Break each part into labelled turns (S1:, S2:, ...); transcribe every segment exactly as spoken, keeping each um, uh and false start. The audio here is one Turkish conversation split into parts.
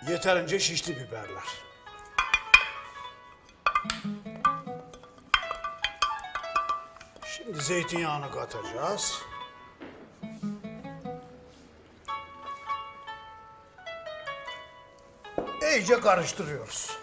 S1: Yeterince şişli biberler. Şimdi zeytinyağını katacağız. İyice karıştırıyoruz.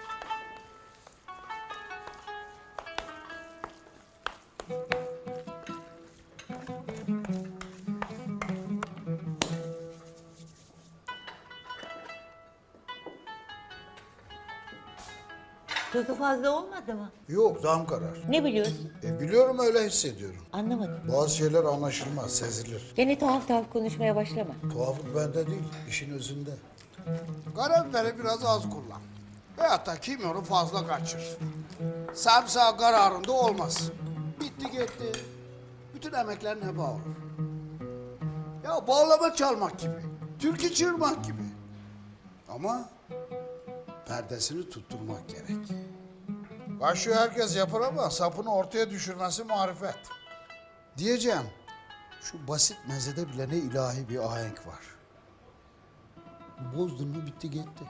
S2: Tuzu fazla olmadı mı?
S1: Yok, tam karar.
S2: Ne biliyorsun?
S1: E, biliyorum, öyle hissediyorum.
S2: Anlamadım.
S1: Bazı şeyler anlaşılmaz, sezilir.
S2: Gene tuhaf tuhaf konuşmaya başlama.
S1: Tuhaflık bende değil, işin özünde. Karabiberi biraz az kullan. Veyahut da kimyonu fazla kaçır. Sarımsağı kararında olmaz. Bitti gitti. Bütün emeklerin heba olur. Ya bağlama çalmak gibi. Türkü çığırmak gibi. Ama perdesini tutturmak gerek. Kaşığı herkes yapar ama sapını ortaya düşürmesi marifet. Diyeceğim, şu basit mezede bile ne ilahi bir ahenk var. Bozdun mu bitti gitti.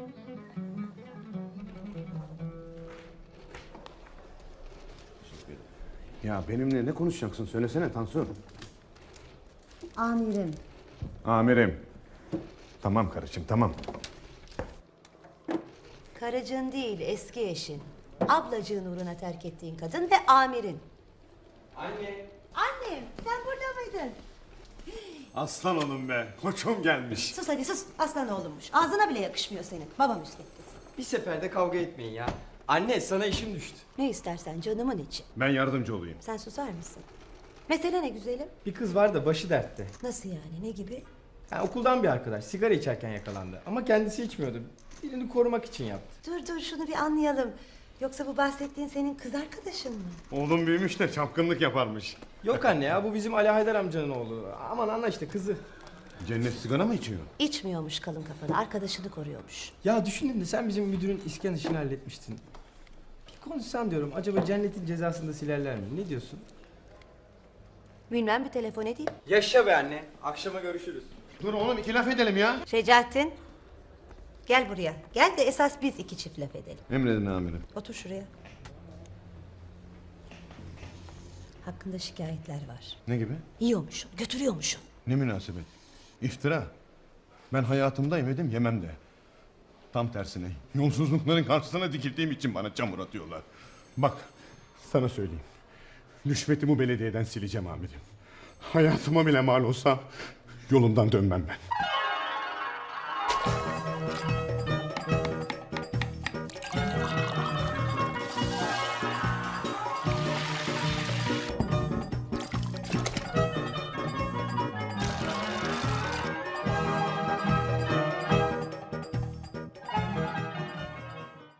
S3: Ya benimle ne konuşacaksın? Söylesene Tansu.
S4: Amirim.
S3: Amirim. Tamam karıcığım, tamam.
S4: Karıcığın değil, eski eşin. Ablacığın uğruna terk ettiğin kadın ve amirin.
S3: Anne.
S4: Annem, sen burada mıydın?
S3: Aslan oğlum be. Koçum gelmiş.
S4: Sus hadi sus, aslan oğlummuş. Ağzına bile yakışmıyor senin. Babam müsveddet.
S5: Bir seferde kavga etmeyin ya. Anne sana işim düştü.
S4: Ne istersen canımın içi.
S3: Ben yardımcı olayım.
S4: Sen susar mısın? Mesele ne güzelim?
S5: Bir kız var da başı dertte.
S4: Nasıl yani, ne gibi?
S5: Ha, okuldan bir arkadaş sigara içerken yakalandı. Ama kendisi içmiyordu. Birini korumak için yaptı.
S4: Dur dur şunu bir anlayalım. Yoksa bu bahsettiğin senin kız arkadaşın mı?
S3: Oğlum büyümüş de çapkınlık yaparmış.
S5: Yok anne ya bu bizim Ali Haydar amcanın oğlu. Aman anla işte kızı.
S3: Cennet sigara mı içiyor?
S4: İçmiyormuş kalın kafalı, arkadaşını koruyormuş.
S5: Ya düşündüm de sen bizim müdürün iskan işini halletmiştin. Bir konuşsan diyorum acaba cennetin cezasını da silerler mi? Ne diyorsun?
S4: Bilmem, bir telefon edeyim.
S5: Yaşa be anne. Akşama görüşürüz.
S3: Dur oğlum iki laf edelim ya.
S4: Şecaettin. Gel buraya. Gel de esas biz iki çift laf edelim.
S3: Emredin amirim.
S4: Otur şuraya. Hakkında şikayetler var.
S3: Ne gibi?
S4: Yiyormuşsun, götürüyormuşsun.
S3: Ne münasebet. İftira. Ben hayatımda yemedim, yemem de. Tam tersine yolsuzlukların karşısına dikildiğim için bana çamur atıyorlar. Bak sana söyleyeyim. Rüşveti bu belediyeden sileceğim amirim. Hayatıma bile mal olsa yolumdan dönmem ben.